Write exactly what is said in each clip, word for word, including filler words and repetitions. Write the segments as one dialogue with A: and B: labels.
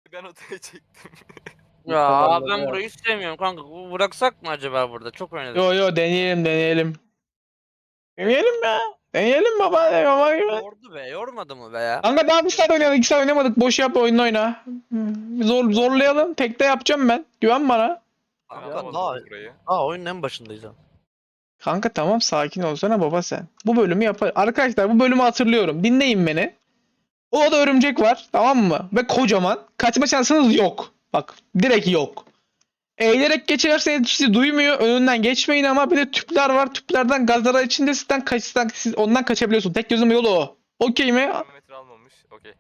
A: ben odaya çektim.
B: Ya ben burayı hiç sevmiyorum kanka. Bıraksak mı acaba burada? Çok oynadık.
C: Yo yo deneyelim deneyelim. Deneyelim ya. Deneyelim baba. De, baba gibi.
B: Yordu be, yormadı mı be ya?
C: Kanka daha bir saat oynayalım. iki saat oynamadık. Boş yap oyunu oyna. Zor, zorlayalım. Tekte yapacağım ben. Güven bana.
B: Kanka
A: Yapamadık
B: daha,
A: burayı.
B: daha oyunun en başındayız ha.
C: Kanka tamam sakin olsana baba sen. Bu bölümü yapar. Arkadaşlar bu bölümü hatırlıyorum. Dinleyin beni. O da örümcek var. Tamam mı? Ve kocaman. Kaçma şansınız yok. Bak direkt yok. Eğilerek geçerseniz sizi duymuyor. Önünden geçmeyin ama bir de tüpler var. Tüplerden gazlara içinde sizden kaçsan siz ondan kaçabiliyorsun. Tek gözüm yolu o. Okey mi?
A: Termometre almamış. Okey.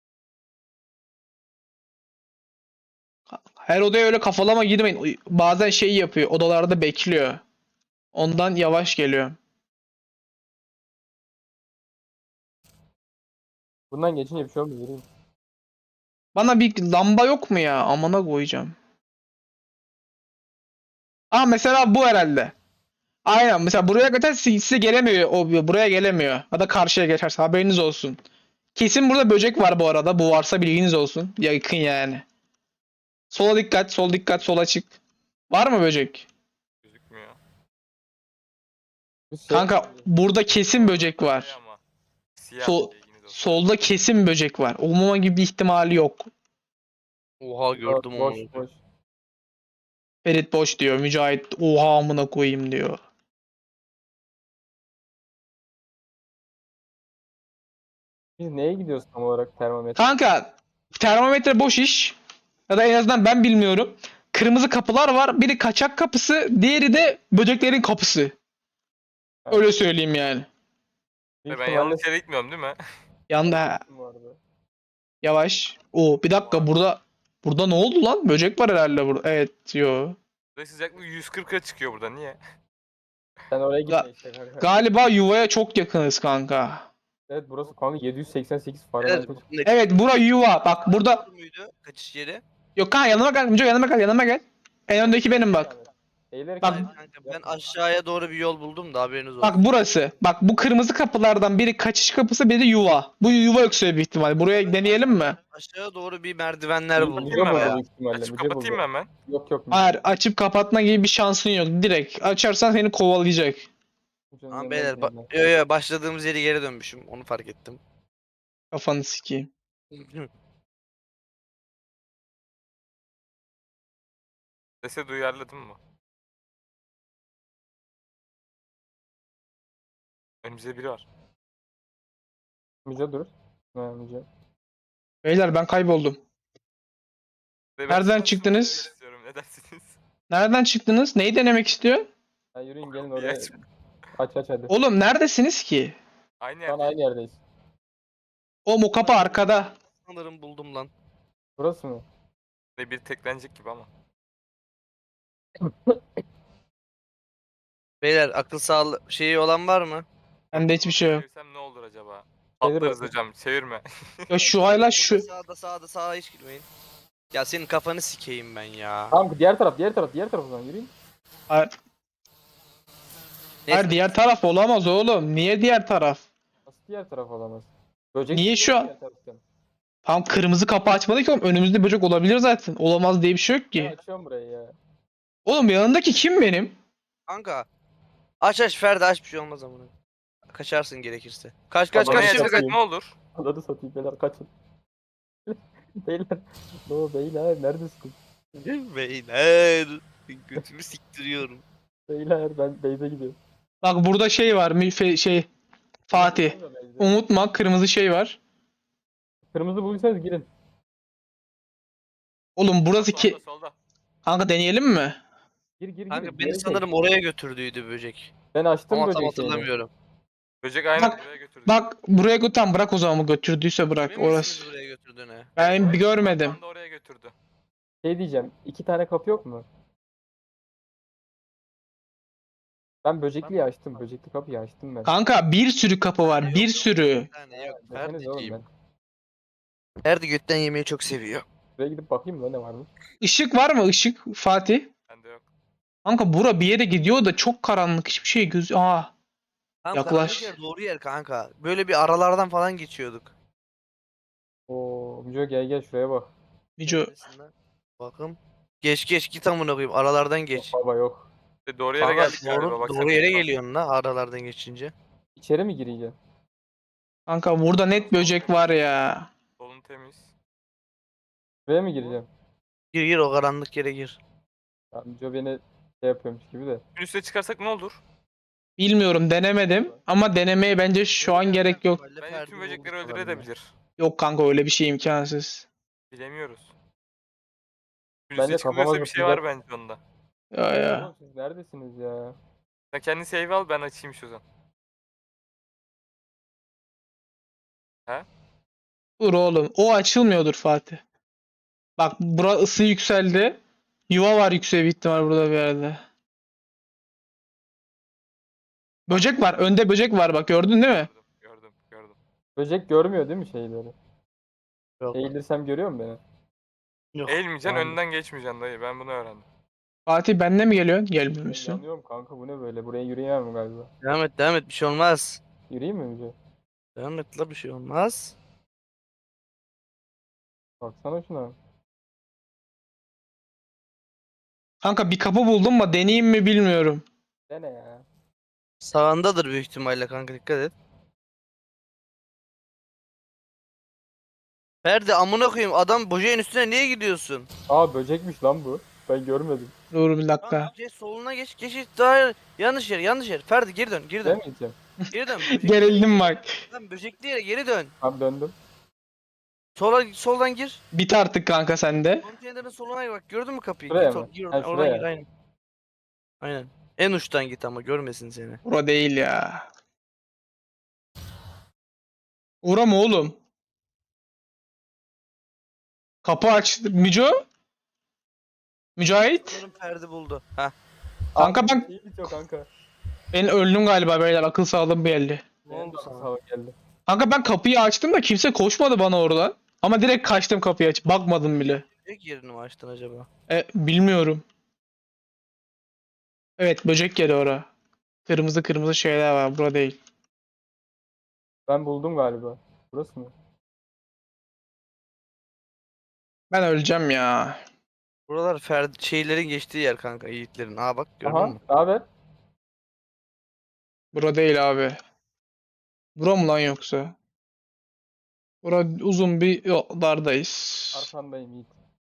C: Her odaya öyle kafalama girmeyin. Bazen şey yapıyor. Odalarda bekliyor. Ondan yavaş geliyor.
D: Bundan geçince bir şey olmuyor. Yürüyün.
C: Bana bir lamba yok mu ya? Amına koyacağım. Aa mesela bu herhalde. Aynen mesela buraya geçer size gelemiyor. O buraya gelemiyor. Ya da karşıya geçerse haberiniz olsun. Kesin burada böcek var bu arada. Bu varsa bilginiz olsun. Yakın yani. Sola dikkat, sol dikkat, sola çık. Var mı böcek?
A: Gözükmüyor.
D: Bir şey-
C: Kanka burada kesin böcek
A: Şey
C: var.
A: ama, Siyah.
C: Sol,
A: bilginiz olsun.
C: solda kesin böcek var. Olmama gibi bir ihtimali yok.
B: Oha gördüm
D: boş,
B: onu.
D: boş.
C: Ferit boş diyor. Mücahit oha amına koyayım diyor.
D: Biz neye gidiyoruz tam olarak termometre?
C: Kanka termometre boş iş. Ya da en azından ben bilmiyorum. Kırmızı kapılar var. Biri kaçak kapısı, diğeri de böceklerin kapısı. Öyle söyleyeyim yani.
D: Büyük
A: Ben
D: ihtimalle
A: yanlış yere gitmiyorum değil mi?
C: Yanda
D: bu arada.
C: yavaş. O bir dakika burada burada ne oldu lan? Böcek var herhalde burada. Evet yo.
A: Ve sıcaklık yüz kırka çıkıyor burada. Niye?
D: Sen oraya
C: Ga-
D: gitme işte kanka.
C: Galiba yuvaya çok yakınız kanka.
D: Evet burası kanka yedi yüz seksen sekiz
B: Evet,
D: Fahrenheit.
B: bu ne-
C: Evet bura yuva. Bak burada.
B: muydu? Kaçış yeri?
C: Yok kanka yanıma gel. Müco yanıma gel. Yanıma gel. En öndeki benim bak.
D: Eğilerek
C: Bak-
B: Hayır kanka ben aşağıya doğru bir yol buldum da haberiniz olsun.
C: Bak burası. Bak bu kırmızı kapılardan biri kaçış kapısı, biri yuva. Bu yuva öksürüyor büyük ihtimal. Buraya deneyelim mi?
B: Aşağıya doğru bir merdivenler
D: Müce
B: buldum.
A: Değil mi
D: buldu
A: ya?
D: büyük ihtimalle.
A: Açıp
D: Müce
A: kapatayım mı
D: buldu.
A: hemen?
D: Yok yok.
C: Hayır, açıp kapatma gibi bir şansın yok. Direkt açarsan seni kovalayacak.
D: Müce'nin
B: Tamam
D: yanına
B: beyler
D: gidelim
B: ba- yo yo başladığımız yere geri dönmüşüm onu fark ettim.
C: Kafanı sikeyim.
A: Sese duyarladın mı? Önümüzde biri var.
D: ben. Müce dur. Ha Müce.
C: Beyler ben kayboldum.
A: Ve ben
C: Nereden
A: şansımı
C: çıktınız?
A: denemek istiyorum. Ne dersiniz?
C: Nereden çıktınız? Neyi denemek istiyor?
D: Ha yürüyün gelin
A: Bir
D: oraya.
A: aç.
D: Aç aç hadi.
C: Oğlum neredesiniz ki?
A: Aynı
D: Şu an
A: yerde.
D: aynı yerdeyiz.
C: O mu kapı arkada.
B: Sanırım buldum lan.
D: Burası mı?
A: Ve bir teklenecek gibi ama.
B: Beyler akıl sağlığı şeyi olan var mı?
C: Bende hiçbir şey yok.
A: Çevirsem ne olur acaba?
D: Çevir
A: Patlarız
D: bakayım.
A: hocam. Çevirme.
C: Ya şu hayla şu.
B: Burada sağda sağda sağa hiç girmeyin. Ya senin kafanı sikeyim ben ya.
D: Tamam diğer taraf diğer taraf diğer taraf o zaman yürüyün.
C: Hayır, hayır, diğer taraf olamaz oğlum. Niye diğer taraf?
D: Nasıl diğer taraf olamaz? Böcek
C: Niye
D: çıkıyor
C: şu an-
D: diğer taraftan.
C: Tam kırmızı kapı açmadı ki oğlum. Önümüzde böcek olabilir zaten. Olamaz diye bir şey yok
D: Ben
C: ki.
D: açıyorum burayı ya.
C: Oğlum yanındaki kim benim?
B: Kanka. Aç aç Ferdi aç bir şey olmaz amına. Kaçarsın gerekirse. Kaç kaç
D: Tamam,
A: Bana
B: kaç.
D: evet.
B: kaç.
A: yaşasak ne olur?
D: Ananı satayım beyler kaçın. beyler. No beyler neredesin?
B: Beyler. Götümü siktiriyorum.
D: Beyler ben base'e gidiyorum.
C: Bak burada şey var. Müfe- şey Fatih. Unutma kırmızı şey var.
D: Kırmızı bulduysanız girin.
C: Oğlum burası ki...
A: Solda solda.
C: Kanka deneyelim mi?
D: Gir gir gir.
B: Kanka
D: Geri
B: beni
D: çek.
B: sanırım oraya götürdüydü böcek.
D: Ben açtım
B: Ama tam
D: böcek şeyini.
B: hatırlamıyorum.
A: Böcek aynen
C: Bak-
A: buraya götürdü.
C: Bak buraya götür bırak o zaman götürdüyse bırak
B: Emin misiniz
C: orası.
B: buraya götürdüğüne?
C: Ben bir görmedim.
A: Tam da oraya götürdü.
D: Şey diyeceğim. iki tane kapı yok mu? Ben böcekliyi açtım. Böcekli kapıyı açtım ben.
C: Kanka bir sürü kapı var. Bir sürü.
B: Bir tane yok.
D: Deseniz oğlum
B: Ferdi'ciğim.
D: ben.
B: Ferdi götten yemeği çok seviyor.
D: Buraya gidip bakayım mı ne var mı?
C: Işık var mı ışık Fatih?
A: Bende yok.
C: Kanka bura bir yere gidiyor da çok karanlık hiçbir şey göz... Aa.
B: Tamam
C: Yaklaş.
B: karanlık yer doğru yer kanka. Böyle bir aralardan falan geçiyorduk.
D: Oo, Müco gel gel şuraya bak.
C: Mico
B: Neredesin lan? Bakın. Geç geç git amına koyayım. Aralardan geç.
D: Baba yok.
A: E, Doğru yere
B: Kanka
A: geldik galiba.
B: doğru,
A: Bak
B: doğru
A: sen
B: yere
A: bak.
B: geliyorsun la aralardan geçince.
D: İçeri mi gireceğim?
C: kanka burada net böcek var ya.
A: Solun temiz.
D: Buraya mı gireceğim?
B: Gir gir o karanlık yere gir.
D: Amca beni şey yapıyormuş gibi de.
A: Bir üste çıkarsak ne olur?
C: Bilmiyorum denemedim ama denemeye bence şu an gerek yok.
A: Bence tüm böcekleri öldürebilir.
C: Yok kanka öyle bir şey imkansız.
A: Bilemiyoruz. Bir
D: Bence
A: üste
D: kafama
A: çıkılırsa bir şey var
D: zıplayacak.
A: bence onda.
C: Ya ya.
D: Oğlum siz neredesiniz ya?
A: Sen kendi save al, ben açayım şu zaman.
C: Dur oğlum. O açılmıyordur Fatih. Bak bura ısı yükseldi. Yuva var yüksek bir ihtimal burada bir yerde. Böcek var. Önde böcek var bak gördün değil mi?
A: Gördüm, gördüm, gördüm.
D: Böcek görmüyor değil mi şeyleri?
B: Yok.
D: Eğilirsem görüyor mu beni?
B: Yok.
A: Eğilmeyeceksin,
D: Tamam.
A: önünden geçmeyeceksin dayı. Ben bunu öğrendim.
C: Fatih benle mi geliyorsun?
D: Ben
C: Gelmiyorsun.
D: yanıyorum kanka, bu ne böyle? Buraya yürüyemem galiba.
B: Devam et devam et bir şey olmaz.
D: Yürüyeyim mi Müce?
B: Devam et la bir şey olmaz.
D: Baksana şuna.
C: Kanka bir kapı buldum mu deneyeyim mi bilmiyorum.
D: Dene ya.
B: Sağındadır büyük ihtimalle kanka dikkat et. Ferdi amına koyayım adam böceğin üstüne niye gidiyorsun?
D: Aa, böcekmiş lan bu. Ben görmedim.
C: Dur bir
B: Kanka
C: dakika.
B: geç soluna geç geç geç daha yanlış yer yanlış yer. Ferdi geri dön geri dön.
D: Demeyeceğim.
B: Geri dön. Böcekli,
C: Gerildim bak.
B: lan böcekli yere geri dön.
D: Tam döndüm.
B: Sola soldan gir.
C: Bit artık kanka sende.
B: Konteynerin soluna bak gördün mü kapıyı?
D: Şuraya
B: Git
D: mı?
B: or- gir
D: Ha,
B: oradan, oradan
D: şuraya.
B: gir aynen. Aynen. En uçtan git ama görmesin seni.
C: Bura değil ya. Ura mı oğlum? Kapı aç. Mico? Mücahit?
B: Sanırım Ferdi buldu. Heh.
C: Kanka
D: Abi,
C: ben-
D: şey bitiyor kanka.
C: Ben öldüm galiba beyler. Akıl sağlığım belli.
B: Ne
D: Benim
B: oldu
D: de
B: sana?
D: sağ geldi.
C: Kanka ben kapıyı açtım da kimse koşmadı bana oradan. Ama direkt kaçtım kapıyı aç. Bakmadım bile.
B: Böcek yerini mi açtın acaba?
C: E, bilmiyorum. Evet böcek yeri ora. Kırmızı kırmızı şeyler var. Bura değil.
D: Ben buldum galiba. Burası mı?
C: Ben öleceğim ya.
B: Buralar Ferdi şeylerin geçtiği yer kanka yiğitlerin. Aa bak gördün
D: Aha,
B: mü?
D: ne haber?
C: Bura değil abi. Bura mı lan yoksa? Bura uzun bir yoldardayız.
D: Arkandayım Yiğit.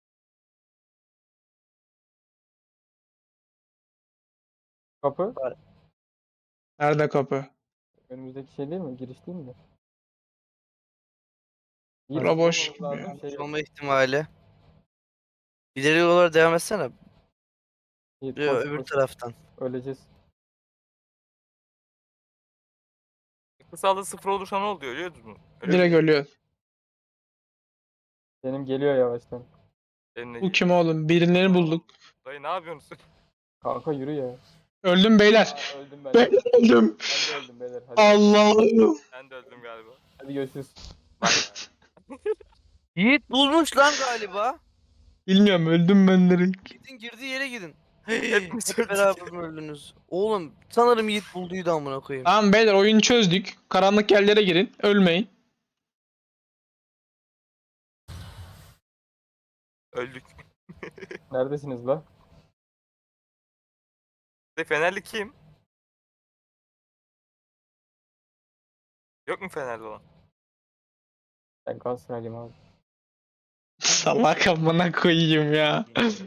D: Kapı.
C: Nerede kapı?
D: Önümüzdeki şey değil mi? Giriş değil mi?
C: Bura boş
D: çıkmamız
C: gibi
D: lazım, şey yok.
B: Olma ihtimali. İleri yollara devam etsene.
D: Yiğit,
B: Yo,
D: koş,
B: öbür
D: koş.
B: taraftan.
D: Öleceğiz.
A: Akıl sağlığı sıfır olursa ne oluyor biliyor musun? Öyle
C: Direkt
A: bir-
C: ölüyor.
D: Benim geliyor yavaştan.
A: Eline
C: Bu
A: geliyor.
C: kim oğlum? Birilerini bulduk.
A: Dayı ne yapıyorsun?
D: Kanka yürü ya.
C: Öldüm beyler.
D: Aa, öldüm ben.
C: Ben öldüm.
D: Ben de öldüm beyler. Hadi.
C: Allah'ım.
A: Ben de öldüm galiba.
D: Hadi görüşürüz.
A: Bak ya.
B: Yiğit bulmuş lan galiba.
C: Bilmiyorum öldüm ben direkt.
B: Gidin girdiği yere gidin.
A: Hepimiz
B: Hep
A: öldük.
B: beraber mi öldünüz? Oğlum sanırım Yiğit bulduydu amına koyayım.
C: Tamam beyler oyunu çözdük. Karanlık yerlere girin. Ölmeyin.
A: Öldük.
D: Neredesiniz la?
A: De Fenerli kim? Yok mu Fenerli olan?
D: Ben Galatasaraylıyım abi.
C: Salak amına koyayım ya.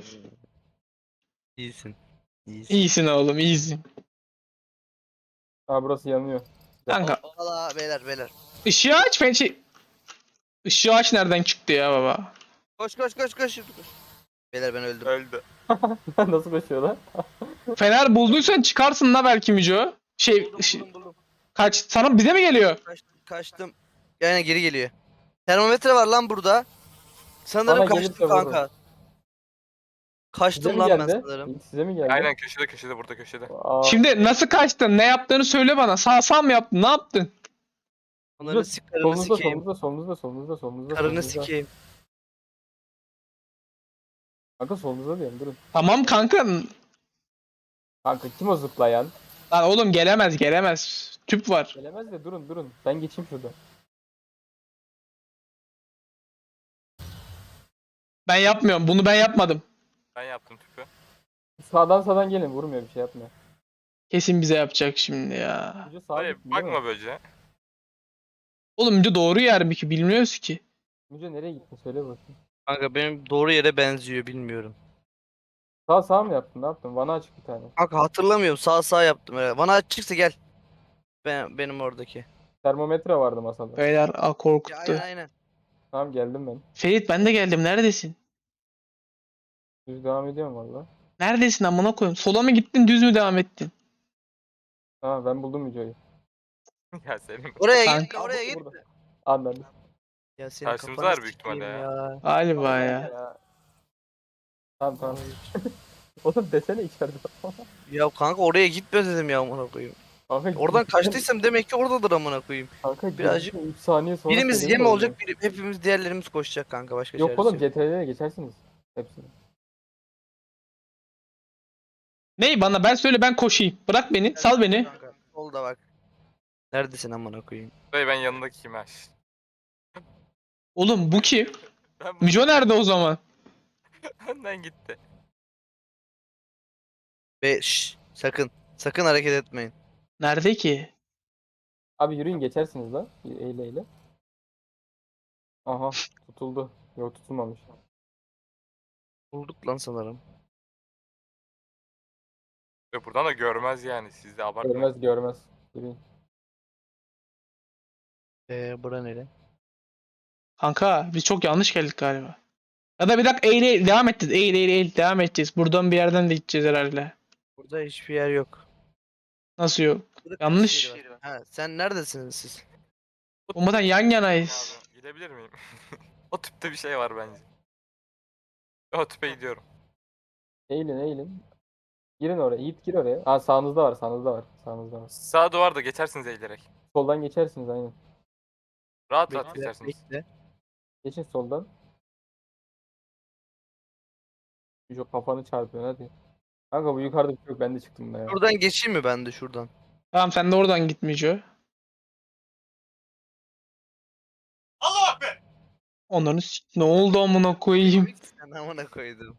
B: İyisin. İyisin.
C: İyisin oğlum iyisin.
D: Aa, burası yanıyor.
C: Kanka
B: Valla beyler beyler.
C: ışığı aç ben şey... Işığı aç nereden çıktı ya baba?
B: Koş koş koş koş. koş. Beyler ben öldüm.
A: Öldü.
D: Nasıl koşuyor lan?
C: Fener bulduysan çıkarsın la belki Mico. Şey,
B: Buldum,
C: şey-
B: buldum, buldum.
C: kaç sana bize mi geliyor?
B: Kaçtım, kaçtım. Yani geri geliyor. Termometre var lan burada. Sanırım
D: Bana
B: kaçtım
D: gelirse
B: kanka.
D: vururum. Size
B: Kaçtım
D: mi
B: lan ben
D: geldi?
B: sanırım.
D: Yiğit, size mi geldi?
A: Aynen köşede köşede burada köşede.
D: Aa,
C: Şimdi nasıl kaçtın? Ne yaptığını söyle bana. Sağ sağ mı yaptın? Ne yaptın?
B: Onların
D: Dur,
B: sik karını
D: solunuzda,
B: sikeyim.
D: solunuzda, solunuzda, solunuzda, solunuzda,
B: Karını
D: solunuzda.
B: sikeyim.
D: Kanka solunuzda diyorum, durun.
C: Tamam kanka.
D: Kanka kim o zıplayan?
C: Lan oğlum gelemez gelemez. Tüp var.
D: Gelemez de durun durun. Ben geçeyim şurada.
C: Ben yapmıyorum. Bunu ben yapmadım.
A: Ben yaptım tüpü.
D: Sağdan sağdan gelin. Vurmuyor, bir şey yapmıyor.
C: Kesin bize yapacak şimdi ya.
D: Müce sağa
A: Dayı
D: gittin değil mi?
A: bakma böceğe.
C: Oğlum önce doğru yer mi ki? Bilmiyoruz ki.
D: Müce nereye gittin? Söyle bakayım.
B: Kanka benim doğru yere benziyor bilmiyorum.
D: Sağ sağ mı yaptın? Ne yaptın? Bana açık bir tane.
B: Kanka hatırlamıyorum sağ sağ yaptım herhalde. Bana açıksa gel. Ben, benim oradaki.
D: Termometre vardı masada.
C: Beyler a
B: Ya
C: korkuttu.
B: aynen aynen.
D: Tamam, geldim ben.
C: Ferit ben de geldim. Neredesin?
D: Düz devam ediyorum valla.
C: Neredesin amına koyayım? Sola mı gittin, düz mü devam ettin?
D: Tamam, ben buldum Müce'yi.
A: Ya senin
B: Oraya
C: Kanka.
B: gitme oraya
D: Burada.
B: gitme.
D: Anladım.
B: Ya senin
A: Karşımızda
B: kafanı
A: var büyük
B: sikeyim
A: ihtimalle
B: ya.
C: Galiba ya.
D: Tamam tamam. Oğlum desene içeride.
B: Ya kanka oraya gitme dedim ya amına koyayım.
D: Kanka,
B: Oradan kaçtıysam demek ki oradadır amına koyayım.
D: Kanka
B: birazcık-
D: birazcık üç saniye sonra
B: Birimiz
D: senin
B: yem
D: de
B: olacak, biri, hepimiz diğerlerimiz koşacak kanka başka
D: Yok
B: çaresi
D: oğlum, C T R'ye geçersiniz. Hepsini.
C: Ney bana ben söyle ben koşayım. Bırak beni. Sal beni.
B: Kanka, solda bak. Neredesin amına koyayım?
A: Dayı ben yanındakiyim ha.
C: Oğlum bu kim?
A: Ben
C: Müco nerede o zaman?
A: Önden gitti.
B: Ve şşş, sakın sakın hareket etmeyin.
C: Nerede ki?
D: Abi yürüyün, geçersiniz lan. Eyle eyle. Aha, tutuldu. Yok, tutulmamış.
B: Bulduk lan sanırım.
A: Ve buradan da görmez yani. Siz de abartmayın.
D: Görmez görmez. Yürüyün.
B: Eee bura nere?
C: Kanka biz çok yanlış geldik galiba. Ya da bir dakika eğil eğil devam edeceğiz. Eğil eğil eğil devam edeceğiz. Buradan bir yerden de gideceğiz herhalde.
B: Burada hiçbir yer yok.
C: Nasıl yok?
B: Burada
C: Yanlış.
B: taş yeri var. Ha, sen neredesiniz siz?
C: Olmadan yan yanayız.
A: Abi, gidebilir miyim? O tüpte bir şey var bence. O tüpe gidiyorum.
D: Eğilin eğilin. Girin oraya. Yiğit gir oraya. Ha, sağınızda var, sağınızda var. Sağınızda var.
A: Sağ duvarda geçersiniz eğilerek.
D: Soldan geçersiniz aynen.
A: Rahat rahat
B: Bekle,
A: geçersiniz.
B: bekle.
D: Geçin soldan. Çok kafanı çarpıyor hadi. Kanka bu yukarıda bir şey yok, ben de çıktım da ya.
B: Şuradan geçeyim mi ben de şuradan?
C: Tamam sen de oradan git Müco.
A: Allah be!
C: Onların s- ne oldu amına koyayım?
B: Sen amına koydum.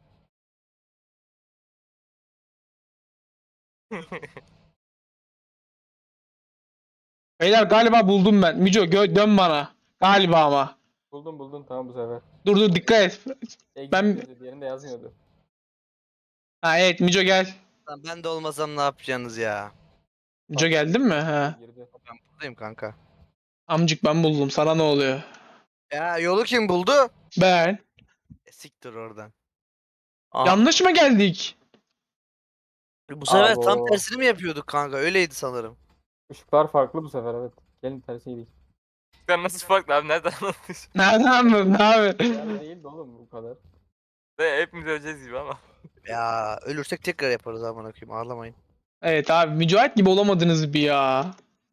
C: Beyler galiba buldum ben. Müco gö- dön bana. Galiba ama.
D: Buldum buldum, tamam bu sefer.
C: Dur dur dikkat et.
D: Exit
C: Ben-
D: yazıyordu, diğerinde yazmıyordu.
C: Ha evet Müco gel.
B: Lan ben de olmasam ne yapacaksınız ya?
C: Müco geldin mi? Ha.
D: Girdi.
B: Ben buradayım kanka.
C: Amcık ben buldum. Sana ne oluyor?
B: Ya yolu kim buldu?
C: Ben.
B: E, siktir oradan. Aa,
C: Yanlış mı geldik?
B: bu sefer tam
D: Abo.
B: tersini mi yapıyorduk kanka? Öyleydi sanırım.
D: Işıklar farklı bu sefer, evet. Gelin tersi gidelim.
A: Sen nasıl farklı abi? Nereden anlatıyorsun?
C: Nereden anladın abi?
D: Yani değildi oğlum bu kadar.
A: Ve hepimiz öleceğiz gibi ama.
B: Ya ölürsek tekrar yaparız amına koyayım. Ağlamayın.
C: Evet abi Mücahit gibi olamadınız bir ya.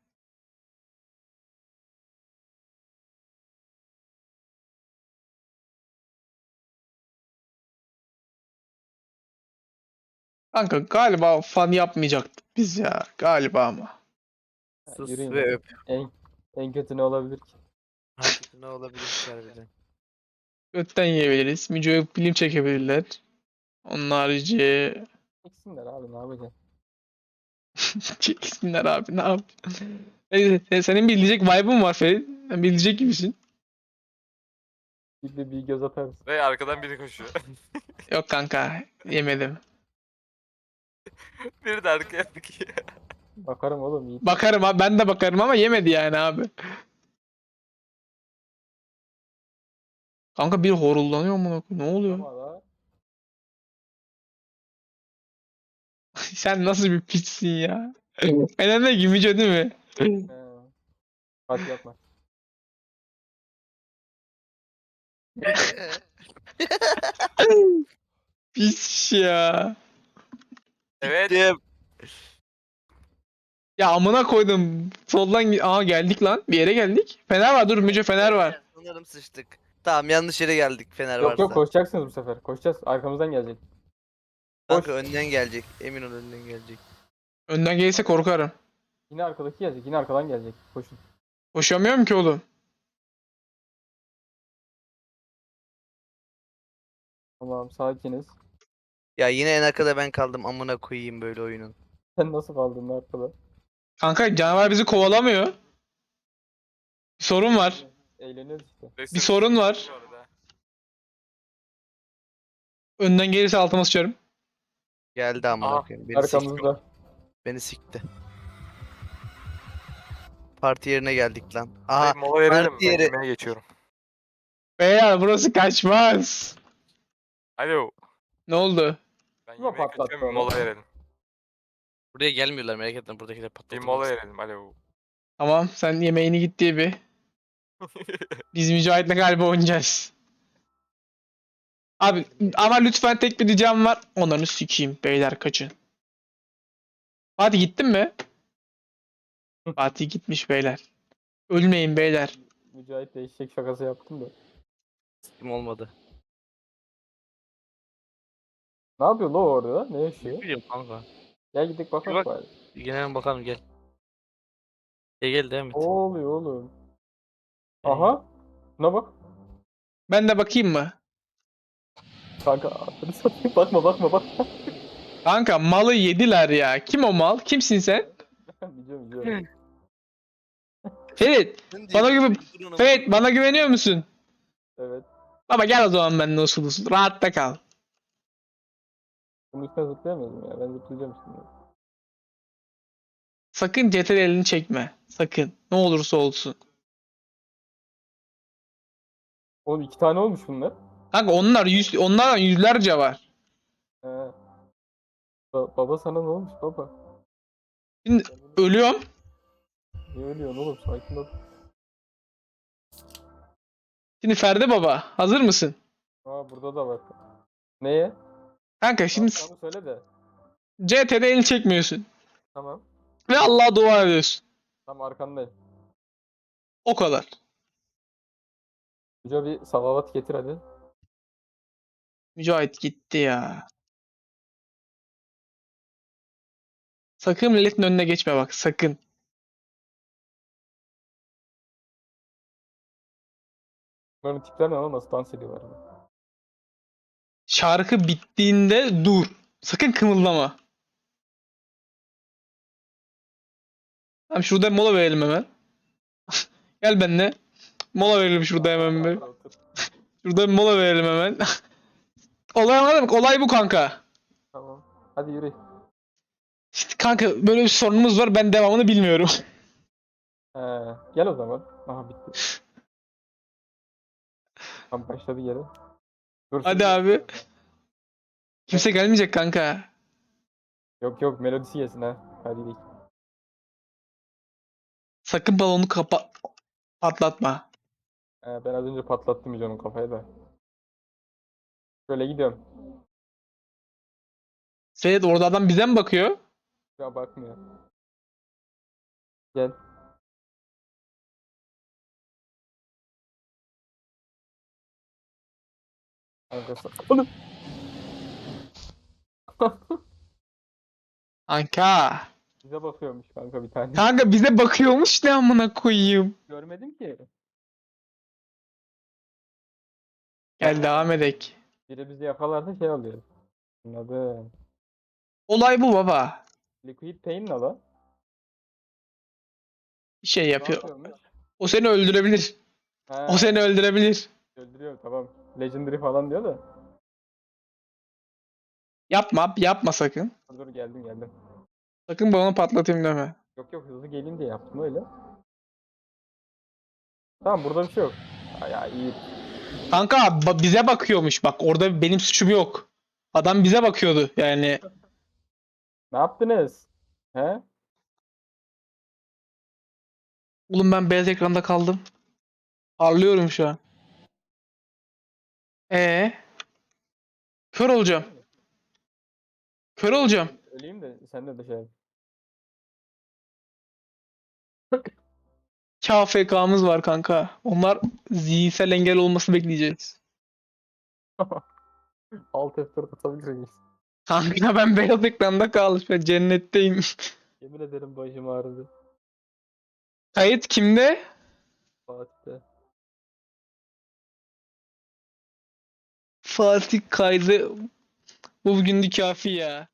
C: Kanka galiba fan yapmayacaktık biz ya. Galiba ama.
D: Ha,
B: Sus
D: yürüyün.
B: ve öp.
D: En, en kötü ne olabilir ki?
B: Hakikaten ne olabilir ki harbiden?
C: Götten yiyebiliriz. Müco'ya film çekebilirler. Onun harici
D: Eksinler abi, ne yapacaksın?
C: çeksinler abi ne yapacaksın? Neyse, sen- senin bilecek vibe'ın var Ferit. Sen bilecek gibisin.
D: Bir de bir göz atarız.
A: Ve arkadan biri koşuyor.
C: Yok kanka yemedim.
A: Biri de arkaya bakıyor.
D: Bakarım oğlum, iyi.
C: Bakarım abi ben de bakarım ama yemedi yani abi. Kanka bir horuldanıyor mu? Ne oluyor?
D: Ama da
C: Sen nasıl bir piçsin ya? Ben de Müco değil mi?
D: he. Hadi yapma.
C: Pis ya.
A: Evet.
B: Dim.
C: Ya amına koydum. Soldan gi- Aa geldik lan. Bir yere geldik. Fener var dur Müco Fener var.
B: Sanırım sıçtık. Tamam yanlış yere geldik Fener
D: Yok
B: varsa.
D: yok, koşacaksınız bu sefer. Koşacağız. Arkamızdan gelecek.
B: Kanka
D: koş.
B: önden gelecek. Emin ol önden gelecek.
C: Önden gelirse korkarım.
D: Yine arkadaki gelecek. Yine arkadan gelecek. Koşun.
C: Koşamıyorum ki oğlum.
D: Tamam sakiniz.
B: Ya yine en arkada ben kaldım, amına koyayım böyle oyunun.
D: Sen nasıl kaldın arkada?
C: Kanka canavar bizi kovalamıyor. Bir sorun var.
D: Eğleniyoruz işte.
C: Bir sorun var.
A: Orada.
C: Önden gelirse altıma sıçarım.
B: Geldi amına
A: Aa,
B: koyayım. Beni sikti.
D: Arkamızda.
B: Beni sikti. Parti yerine geldik lan. Aha,
A: Dayı mola verelim.
B: parti
A: Ben
B: yeri.
A: yemeğe geçiyorum.
C: Beyler burası kaçmaz.
A: Alo.
C: Ne oldu?
A: Ben
D: Kim o
A: yemeğe
D: patlattı
A: kaçıyorum. Bir
D: onu?
A: mola verelim.
B: Buraya gelmiyorlar, merak etme, buradakiler
A: Bir
B: patlatılmaz.
A: mola verelim. Alo.
C: Tamam sen yemeğini git diye bir. Biz Mücahit'le galiba oynayacağız. Abi ama lütfen tek bir ricam var. Onları sikeyim. Beyler kaçın. Fatih gittin mi? Fatih gitmiş beyler. Ölmeyin beyler.
D: Mücahit de eşek şakası yaptım da.
B: Kim olmadı.
D: Ne yapıyor lo orada? Ne yaşıyor?
B: Biliyorum kanka.
D: Gel gidelim bakalım
B: Bak.
D: bari.
B: Gelelim bakalım, gel. Gel gel, devam et.
D: Ne oluyor oğlum? Aha. Şuna bak.
C: Ben de bakayım mı?
D: Kanka adını satayım. Bakma bakma bakma.
C: Kanka malı yediler ya. Kim o mal? Kimsin sen?
D: Biliyorum biliyorum.
C: Ferit. Bana güven. Ferit bana güveniyor musun?
D: Evet.
C: Baba gel o zaman benimle usul usul. Rahatta kal.
D: Bunun üstüne zıplayamıyordum ya. Ben zıplayacağım şimdi.
C: Sakın C T R elini çekme. Sakın. Ne olursa olsun.
D: Oğlum iki tane olmuş bunlar.
C: Kanka onlar yüz, onlardan yüzlerce var.
D: He. Ba- baba sana ne olmuş baba?
C: Şimdi ölüyorum.
D: Niye ölüyorsun oğlum? Sakin ol.
C: Şimdi Ferdi baba. Hazır mısın?
D: Aa burada da var. Neye?
C: Kanka şimdi
D: Tamam söyle de.
C: C T R elini çekmiyorsun.
D: Tamam.
C: Ve Allah'a dua ediyorsun.
D: Tamam arkandayım.
C: O kadar.
D: Hoca bir salavat getir hadi.
C: Mücahit gitti ya. Sakın milletin önüne geçme bak. Sakın.
D: Bunların tipler ne lan? Nasıl dans ediyorlar?
C: Şarkı bittiğinde dur. Sakın kımıldama. Tamam şurada mola verelim hemen. Gel benimle. Mola verelim şurada hemen bir.
D: Otur, otur.
C: Şurada bir mola verelim hemen. Olay anladın mı? Olay bu kanka.
D: Tamam. Hadi yürü.
C: İşte kanka böyle bir sorunumuz var. Ben devamını bilmiyorum.
D: He, gel o zaman. Aha bitti. Tam başladı yere. Dur,
C: Hadi
D: şimdi-
C: abi. Kimse gelmeyecek kanka.
D: Yok yok melodisi gelsin ha. Hadi gidelim.
C: Sakın balonu kapa patlatma.
D: He, ben az önce patlattım John'un kafayı da. Şöyle gidiyorum.
C: Seyret orada adam bize mi bakıyor?
D: Ya bakmıyor. Gel. Kankası. Oğlum.
C: Kanka.
D: Bize bakıyormuş kanka bir tane.
C: Kanka bize bakıyormuş ne amına koyayım.
D: Görmedim ki.
C: Gel devam edek.
D: Biri bizi yakalarsa şey oluyor. Anladım.
C: Olay bu baba.
D: Liquid Pain ne lan?
C: Bir şey
D: Ne
C: yapıyor.
D: yapıyormuş?
C: O seni öldürebilir.
D: He,
C: O seni öldürebilir.
D: öldürüyor tamam. Legendary falan diyor da.
C: Yapma, yapma sakın.
D: Dur dur geldim geldim.
C: Sakın balonu patlatayım deme.
D: Yok yok hızlı geleyim diye yaptım öyle. Tamam burada bir şey yok. Ya, ya iyi.
C: Kanka ba- bize bakıyormuş bak. Orada benim suçum yok. Adam bize bakıyordu yani.
D: Ne yaptınız? He?
C: Oğlum ben beyaz ekranda kaldım. Parlıyorum şu an. Ee, kör olacağım. Kör olacağım.
D: Öleyim de sen de de şey yap.
C: K F K'mız var kanka. Onlar zihinsel engel olması bekleyeceğiz.
D: Alt F dört atabilir miyiz?
C: Kanka ben beyaz ekranda kaldım. Ben cennetteyim.
D: Yemin ederim başım ağrıdı.
C: Kayıt kimde?
D: Fatih'te.
C: Fatih kaydı. Bu bugün de kafi ya.